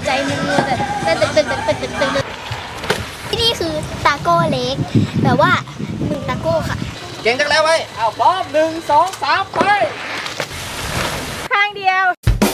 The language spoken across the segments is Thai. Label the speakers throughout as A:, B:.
A: ใจมันมัวแต่ตึกที่นี่คือตาโก้เล็กแบบว่า1ตาโก้ค่ะ
B: เก่งจังแล้วไว้เอาพร้อม1 2 3ไป
C: ข้างเดียว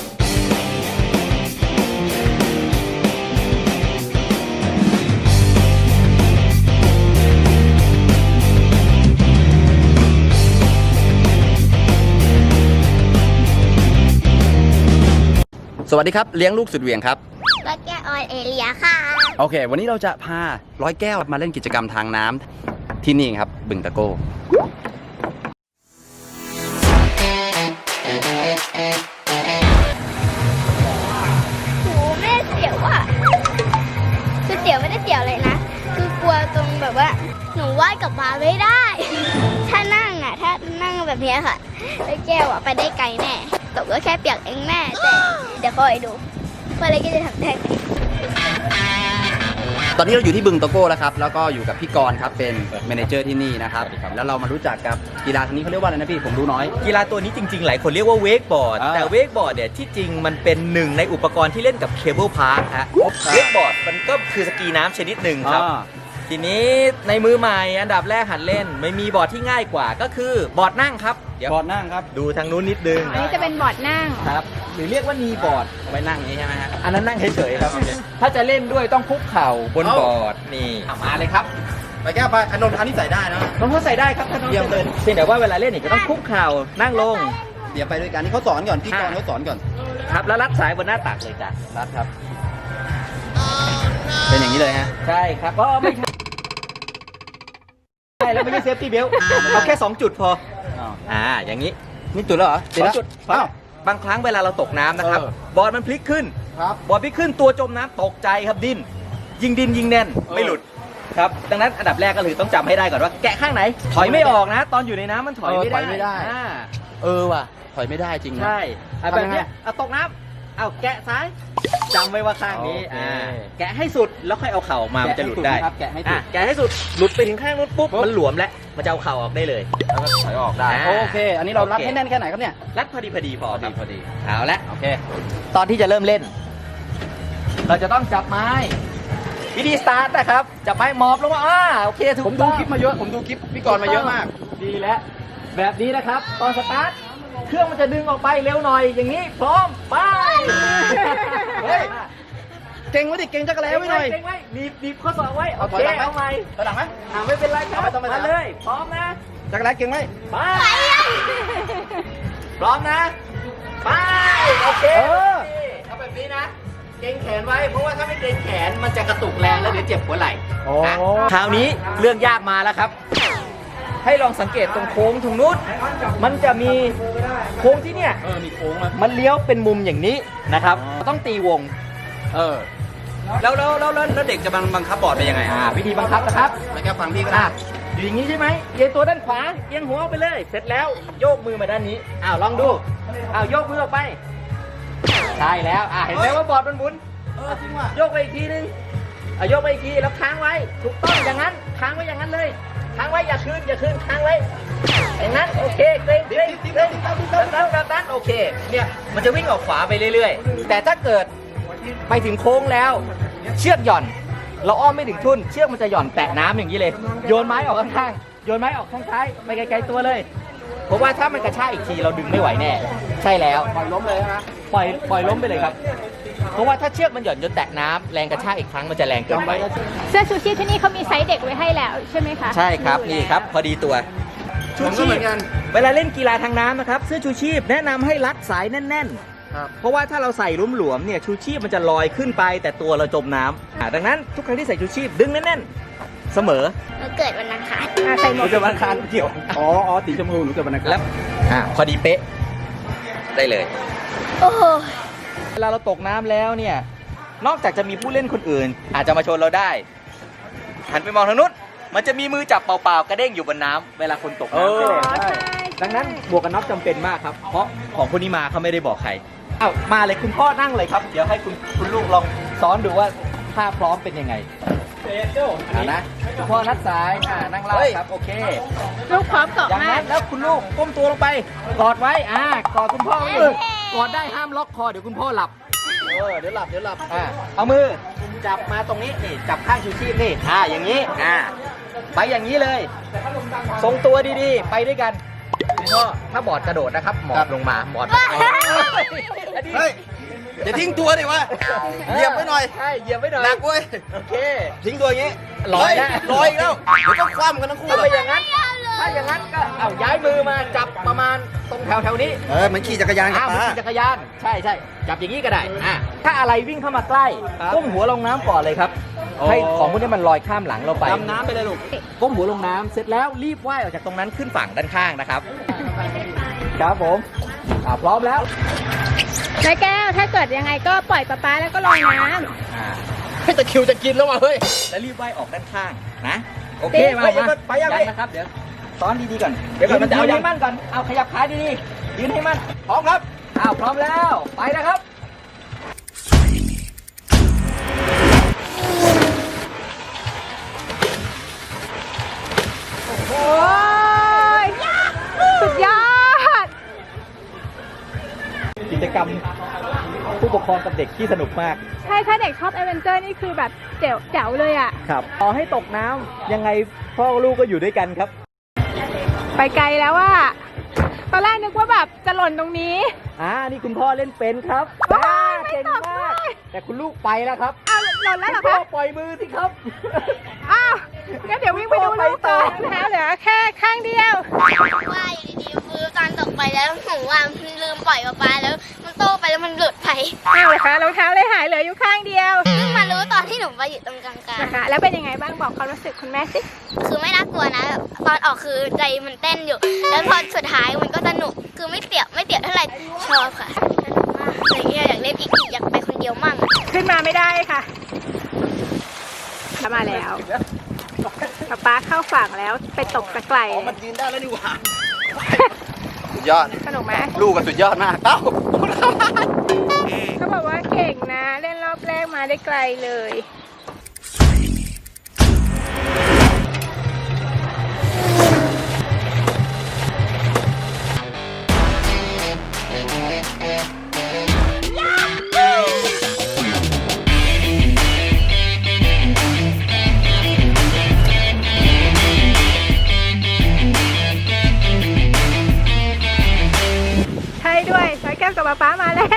B: สวัสดีครับเลี้ยงลูกสุดเหวี่ยงครับ
A: ร้อยแก้วออยเอเลียค่ะ
B: โอเควันนี้เราจะพาร้อยแก้วมาเล่นกิจกรรมทางน้ำที่นี่ครับบึงตะโก้
A: โหแม่เสียวอ่ะคือเสียวไม่ได้เสียวเลยนะคือกลัวตรงแบบว่าหนูว่ายกลับมาไม่ได้ถ้านั่งแบบนี้ค่ะร้อยแก้วอ่ะไปได้ไกลแน่ตกก็แค่เปียกเองแม่แต่เดี๋ยวคอยดูว่าอะไรก็จะทำได้ไหม
B: ตอนนี้เราอยู่ที่บึงตะโก้แล้วครับแล้วก็อยู่กับพี่กรณ์ครับเป็นแมเนเจอร์ที่นี่นะครับแล้วเรามารู้จักกับกีฬาชนิดนี้เขาเรียกว่าอะไรนะพี่ผมรู้น้อย
D: กีฬาตัวนี้จริงๆหลายคนเรียกว่าเวกบอร์ดแต่เวกบอร์ดเนี่ยที่จริงมันเป็นหนึ่งในอุปกรณ์ที่เล่นกับเคเบิลพาร์คฮะเวกบอร์ดมันก็คือสกีน้ำชนิดหนึ่งครับทีนี้ในมือใหม่อันดับแรกหัดเล่นไม่มีบอร์ดที่ง่ายกว่าก็คือบอร์ดนั่งครับ
B: เดี๋ยวบอร์ดนั่งครับ
D: ดูทางนู้นนิดนึง
C: อันนี้จะเป็นบอร์ดนั่ง
D: ครับหรือเรียกว่านีบอร์ด
B: ไว้นั่งนี้ใช่ไหมฮะ
D: อันนั้นนั่งเฉยๆครับถ้าจะเล่นด้วยต้องคุกเข่าบนบอร์ดนี่
B: มาเลยครับไปแก้วไปอนนท์อันนี้ใส่ได้นะ
D: น้องเขาใส่ได้ครับถ้าน้องจะเดินเพียงแต่ว่าเวลาเล่นเนี่ยก็ต้องคุกเข่านั่งลง
B: เดี๋ยวไปด้วยกันนี่เขาสอนก่อนพี่กรณ์เขาสอนก่อน
D: ครับแล้วรัดสายบนหน้าตักเลยจ้ะ
B: รัดครับเป็นอย่างนี้เลยฮะ
D: ใช่ครับก็ไม่ใช่ใช่แล้วไม่ใช่เซฟตี้เบลต์เอาแค่2จุดพออย่างนี้
B: นี่จุดแล้วเหรอ
D: 2จุดบางครั้งเวลาเราตกน้ำนะครับบอร์ดมันพลิกขึ้นบอร์ดพลิกขึ้นตัวจมน้ำตกใจครับดิ้นยิงแน่นไม่หลุดครับดังนั้นอันดับแรกก็คือต้องจำให้ได้ก่อนว่าแกะข้างไหนถอยไม่ออกนะตอนอยู่ในน้ำมันถอยไม่ได้
B: ว่ะถอยไม่ได้จริงนะ
D: ใช่แบบนี้ตกน้ำเอาแกะซ้ายจำไว้ว่าข้างนี้แกะให้สุดแล้วค่อยเอาเข่ามามันจะหลุดได้
B: แกะให้
D: สุดหลุดไปถึงข้างนู้นปุ๊บมันหลวมแล้วมันจะเอาเข่าออกได้เลย
B: แล้วก็ถอยออกได้โอเคอันนี้เรารัดให้แน่นแค่ไหนครับเนี่ย
D: รัดพอดีพอเอาละ
B: โอเค
D: ตอนที่จะเริ่มเล่นเราจะต้องจับไม้วิธีสตาร์ทนะครับจับไม้มอบลงมาโอเคถูก
B: ผมดูคลิปมาเยอะผมดูคลิปพี่กรณ์มาเยอะมาก
D: ดีแล้วแบบนี้นะครับตอนสตาร์ทเครื่องมันจะดึงออกไปเร็วหน่อยอย่างนี้พร้อมไป
B: เฮ้ยเก่งไว้ดิเก่งจักรแล้วไว้หน่อย
D: บีบข้อศอกไว้โอเคเอาใหม่
B: ไปหลังไหม
D: ไม่เป็นไรครับมาเลยพร้อมนะ
B: จักรแล้วเก่งไหม
D: ไปพร้อมนะไปโอเคเอาแบบนี้นะเกรงแขนไว้เพราะว่าถ้าไม่เกรงแขนมันจะกระตุกแรงแล้วเดี๋ยวเจ็บหัวไหล่คราวนี้เรื่องยากมาแล้วครับให้ลองสังเกตตรงโค้งตรงนู้นมันจะมีโค้งที่เนี่ย
B: มีโค้ง
D: มันเลี้ยวเป็นมุมอย่างนี้นะครับต้องตีวง
B: แล้วเด็กจะบังคับบอร์ดไปยังไง
D: วิธีบังคับนะครับ
B: ไปแค่ฟังพี่ก็ได้
D: อยู่อย่างนี้ใช่ไหมเอียงตัวด้านขวาเอียงหัวไปเลยเสร็จแล้วโยกมือมาด้านนี้ลองดูโยกมือออกไปใช่แล้วเห็นไหมว่าบอร์ดมันหมุน
B: จริงว่ะ
D: โยกไปอีกทีนึงโยกไปอีกทีแล้วค้างไว้ถูกต้องอย่างนั้นค้างไว้อย่างนั้นเลยค้างไว้อย่าคืนค้างไว้อย่างนั้นโอเคเกรงแบบนั้นโอเคเนี่ยมันจะวิ่งออกขวาไปเรื่อยๆแต่ถ้าเกิดไปถึงโค้งแล้วเชือกหย่อนเราอ้อมไม่ถึงทุ่นเชือกมันจะหย่อนแตะน้ำอย่างนี้เลยโยนไม้ออกข้างๆโยนไม้ออกข้างซ้ายไปไกลๆตัวเลยเพราะว่าถ้ามันกระชากอีกทีเราดึงไม่ไหวแน่ใช่แล้ว
B: ปล่อยล้มเลยนะ
D: ปล่อยล้มไปเลยครับเพราะว่าถ้าเชือกมันหย่อนจนแตะน้ำแรงกระชากอีกครั้งมันจะแรงเกินไป
C: เสื้อชูชีพที่นี่เขามีไซส์เด็กไว้ให้แล้วใช่ไหมคะ
D: ใช่ครับนี่ครับพอดีตัว
B: ชูชีพเหมือนกัน
D: เวลาเล่นกีฬาทางน้ำนะครับเสื้อชูชีพแนะนำให้รัดสายแน่นๆเพราะว่าถ้าเราใส่หลวมๆเนี่ยชูชีพมันจะลอยขึ้นไปแต่ตัวเราจมน้ำดังนั้นทุกครั้งที่ใส่ชูชีพดึงแน่นๆเสมอ
A: เกิดวันอังคาร
D: ใส่หมวกเกิดวันอังคารเกี่ยว
B: สีชมพูหนูเกิดวันอังคาร
D: แล้วพอดีเป๊ะได้เลย
A: โอ้โห
D: เวลาเราตกน้ำแล้วเนี่ยนอกจากจะมีผู้เล่นคนอื่นอาจจะมาชนเราได้หันไปมองทางนู้นมันจะมีมือจับเปล่าๆกระเด้งอยู่บนน้ำเวลาคนตกน้ำดังนั้นหมวกกันน็อกจำเป็นมากครับเพราะของคนนี้มาเขาไม่ได้บอกใครมาเลยคุณพ่อนั่งเลยครับเดี๋ยวให้คุณลูกลองซ้อนดูว่าท่าพร้อมเป็นยังไงนะคุณพ่อนัดสายนั่งเล่าครับโอเค
C: ลูกพร้อมเกาะ
D: อย่างนั้นแล้วคุณลูกก้มตัวลงไปกอดไว้กอดคุณพ่อไว้กอดได้ห้ามล็อกคอเดี๋ยวคุณพ่อหลับเดี๋ยวหลับเอามือจับมาตรงนี้นี่จับข้างชูชีพนี่อย่างนี้ไปอย่างนี้เลยทรงตัวดีๆไปด้วยกันคุณพ่อถ้าบอร์ดกระโดดนะครับหมอบลงมาบอร์ด
B: เฮ้ยอย่าทิ้งตัวดิวะเหยียบไว้หน่อย
D: ใช่เหยียบไว้หน่อย
B: หนักเว้ย
D: โอเค
B: ทิ้งตัวอย่างงี้
D: ลอยนะ
B: ลอยอีกแล้วเดี๋ยวต้องคว่ำกันทั้งคู่
D: ถ้า
B: เล
D: ไม่
B: ย
D: อย่างนั้นถ้าอย่างนั้นก็เอาย้ายมือมาจับประมาณตรงแถวนี้
B: เหมือนขี่จักรยานกับ
D: เหมือน
B: ป้า
D: ขี่จักรยานใช่จับอย่างนี้ก็ได้ถ้าอะไรวิ่งเข้ามาใกล้ก้มหัวลงน้ำก่อนเลยครับให้ของพวกนี้มันลอยข้ามหลังเราไป
B: ดำน้ำไปเลยลูก
D: ก้มหัวลงน้ำเสร็จแล้วรีบว่ายออกจากตรงนั้นขึ้นฝั่งด้านข้างนะครับ ครับผมพร้อมแล้ว
C: นายแก้วถ้าเกิดยังไงก็ปล่อยป๊าแล้วก็ลอยน้ำ
D: ให้ตะคริวจะกินแล้วว่ะเฮ้ยแล้วรีบว่ายออกด้านข้างนะโอเคมาไปยังนะครับเดี๋ยวซ้อนดีๆก่อนเดี๋ยวก่อนมันจะเอาให้มั่นก่อนเอาขยับขาดีๆยืนให้มั่นพร้อมครับพร้อมแล้วไปนะครับ
C: โอ้ยสุดยอด
D: กิจกรรมผู้ปกครองกับเด็กที่สนุกมาก
C: ใช่ถ้าเด็กชอบแอดเวนเจอร์นี่คือแบบแจ๋วเลยอ่ะ
D: ครับต่อให้ตกน้ำยังไงพ่อลูกก็อยู่ด้วยกันครับ
C: ไปไกลแล้วอ่ะตอนแรกนึกว่าแบบจะหล่นตรงนี้
D: นี่คุณพ่อเล่นเป็นครับ
C: ว้ายไม่
D: เก่ง
C: ตก
D: มาก
C: ด้วย
D: แต่คุณลูกไปแล้วครับ
C: อ้าวหล่นแล้วเหรอ
D: คุณพ่อ
C: คะ
D: ปล่อยมือสิครับ
C: อ้าวงั้นเดี๋ยววิ่งไปดูลูกต่อเท้าเหลือแค่ข้างเดียว
A: ว่าอยู่ดีๆคือตอนตกไปแล้วหนูว่าลืมปล่อยปลาแล้วมันโตไปแล้วมันหลุดไป
C: อ้าวเหรอคะรองเท้าเลยหายเหลืออยู่ข้างเดียว
A: เพิ่งมารู้ตอนที่หนูไปอยู่ตรงกลาง
C: นะคะแล้วเป็นยังไงบ้างบอกความรู้สึกคุณแม่สิ
A: ๆคือไม่น่ากลัวนะแบบตอนออกคือใจมันเต้นอยู่ แล้วพอสุดท้ายมันก็สนุกคือไม่เตี่ยวเท่าไหร่ชอบค่ะสนุกมากอะไรเงี้ยอยากเล่นอีกอยากไปคนเดียวมั่ง
C: ขึ้นมาไม่ได้ค่ะมาแล้วป๊าเข้าฝั่งแล้วไปตกตะไคร่
B: มันยืนได้แล้วนี่หว่าสุดยอด
C: สนุกไหม
B: ลูกก็สุดยอดมาก
C: เขาบอกว่าเก่งนะเล่นรอบแรกมาได้ไกลเลย ใช่ด้วยสายแก้วกับป๊ามาแล้ว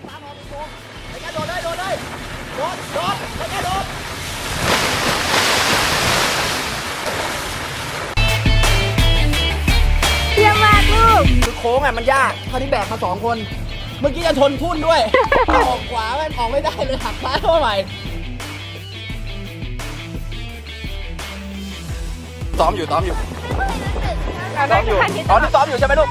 C: เยี่ยมมากลูก
B: คือโค้งมันยากคราวนี้แบกมา2 คน เมื่อกี้จะทนทุ่นด้วย ออกขวามันออกไม่ได้เลยหักซ้ายเข้าไปซ้อมอยู่ซ้อมอยู่
C: ซ้อมอยู่
B: ตอนที่ซ้อมอยู่ใช่ไหมลูก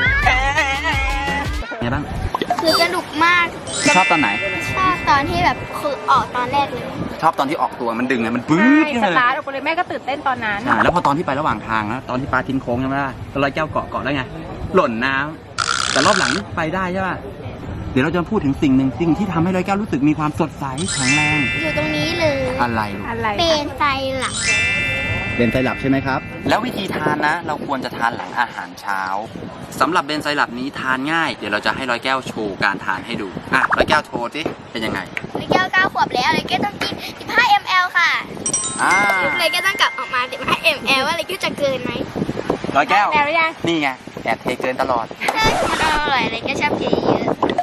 B: ไงบ้าง
A: คือสนุกมาก
B: ชอบตอนไหน
A: ชอบตอนที่แบบคือออกตอนแรกเลย
B: ชอบตอนที่ออกตัวมันดึงไงมันปื๊
C: ใช่
B: ดขึ้น
C: ส
B: มาเลย
C: ตาร์ทออกไปเลยแม่ก็ตื่นเต้นตอนนั้น
B: ใช่แล้วพอตอนที่ไประหว่างทางแล้วตอนที่ปลาทิ้งโค้งใช่ไหมล่ะแล้วร้อยแก้วเกาะแล้วไงหล่นน้ำแต่รอบหลังนี่ไปได้ใช่ป่ะเดี๋ยวเราจะพูดถึงสิ่งหนึ่งสิ่งที่ทำให้ร้อยแก้วรู้สึกมีความสดใสแข็งแรง
A: อยู่ตรงนี้เลย
B: อะไรลูก
C: อะไร
A: เป็นไซรัป
B: เบนไซรัปใช่ไหมครับแล้ววิธีทานนะ เราควรจะทานหลังอาหารเช้าสำหรับเบนไซรัปนี้ทานง่ายเดี๋ยวเราจะให้ร้อยแก้วโชว์การทานให้ดูร้อยแก้วโชว์สิเป็นยังไง
A: เลยแก้ว9 ขวบแล้วเลยแก้วต้องกิน15 ml ค่ะ เลยแก้วต้องกลับออกมา15 ml ว่าเลยแก้วจะเกินไหม
B: ร้อยแก้ว
C: แล้วหรือยัง
B: นี่ไงแอบเทเกินตลอด
A: มันอร่อยเลยแก้วชอบกินเยอะ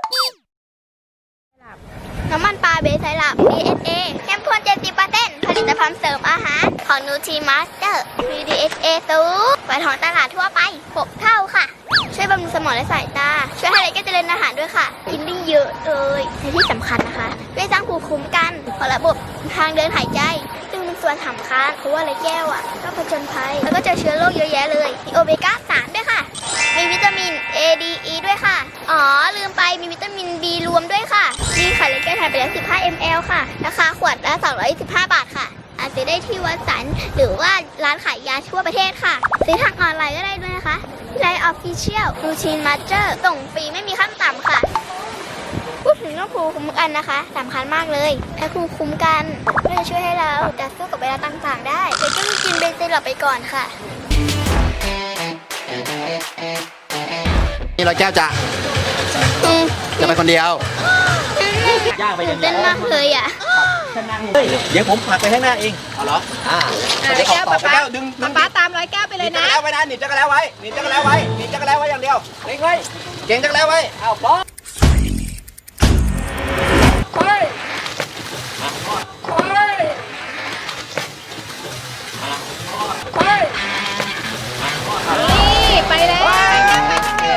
A: น้ำมันปลาเบสไซรัป DHA เข้มข้น70%ผลิตภัณฑ์เสริมอาหารของ Nutrimaster มี DHA สูงกว่าท้องตลาดทั่วไป6 เท่าค่ะ ช่วยบำรุงสมองและสายตา ช่วยให้เด็กเจริญอาหารด้วยค่ะ กินได้เยอะเลยและที่สำคัญนะคะช่วยสร้างภูมิคุ้มกันของระบบทางเดินหายใจ ซึ่งเป็นส่วนสำคัญเพราะว่าไรแก้วก็ผจญภัย แล้วก็เจอเชื้อโรคเยอะแยะเลย มีโอเมก้า 3 ด้วยค่ะ มีวิตามิน A D E ด้วยค่ะ อ๋อ ลืมไปมีวิตามิน B รวมด้วยค่ะนี่ค่ะเลยแก้วทานไปแล้ว15 ml ค่ะ ราคาขวดละ225 บาทค่ะ อาจจะได้ที่วัดสันหรือว่าร้านขายยาทั่วประเทศค่ะซื้อทางออนไลน์ก็ได้ด้วยนะคะไลน์ Official Nutrimaster ส่งฟรีไม่มีขั้นต่ำค่ะ พูดถึงเรื่องภูมิคุ้มกันนะคะสำคัญมากเลยถ้าภูมิคุ้มกันก็จะช่วยให้เราต่อสู้กับเวลาต่างๆได้เดี๋ยวจะกินเบนไซรัปไปก่อนค่ะ
B: นี่ร้อยแก้วจะไปคนเดียว
A: ไม่
D: ย่างไปอย่างเดี
A: เต้
D: ย
A: น
D: ว
A: มากเลยอ่ะ
D: เฮ้ยเดี๋ยวผมผลักไปข้างหน้าเองเอาเหรอ
C: ร้อยแก้วป๊าป๊า
D: ดึง
C: ป๊าป๊าตามร้อยแก้วไปเลย
D: จั
C: นะ
D: กรแล้วไว้นะหนีบจักรแล้วไว้หนีบจักรแล้วไว้หนีบจักรแล้วไว้อย่างเดียวเล็งไว้เก่งจักรแล้วไว้เอาพร้อมไปไป
C: นี่ไปแล้วร้อยแก้วไปคนเดียว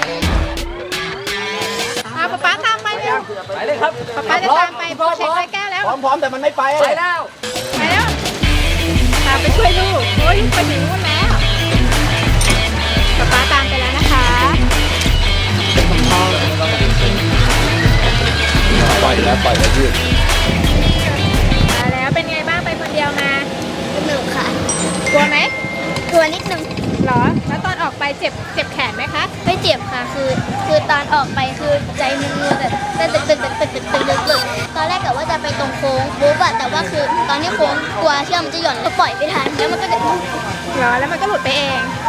C: เอาป๊าป๊าตามไปเร็ว
D: ไปเลยครับ
C: ป๊าป๊าจะตามไปโบเช็คร้อยแก้วแล้ว
D: พร้อมแต่มันไม่ไปไปแล้ว
C: ไปแล้วตามไปช่วยลูกโอ้ยลูกไปถึงนู่นแล้วป๊าป๊าตามไปแล้วนะคะ
B: ปล่อยแล้วยืด
C: มาแล้วเป็นไงบ้างไปคนเดียวมา
A: สนุกค่ะ
C: กลัวไหม
A: กลัวนิดนึง
C: หรอแล้วตอนออกไปเจ็บแขนไหมคะ
A: ไม่เจ็บค่ะ คือตอนออกไปคือใจมันรัวแบบตึกตอนแรกกะว่าจะไปตรงโค้งปุ๊บอะแต่ว่าคือตอนที่โค้งกลัวเชือกมันจะหย่อนก็ปล่อยไม่ทันแล้วมันก็จะ
C: หรอแล้วมันก็หลุดไปเอง
A: ใ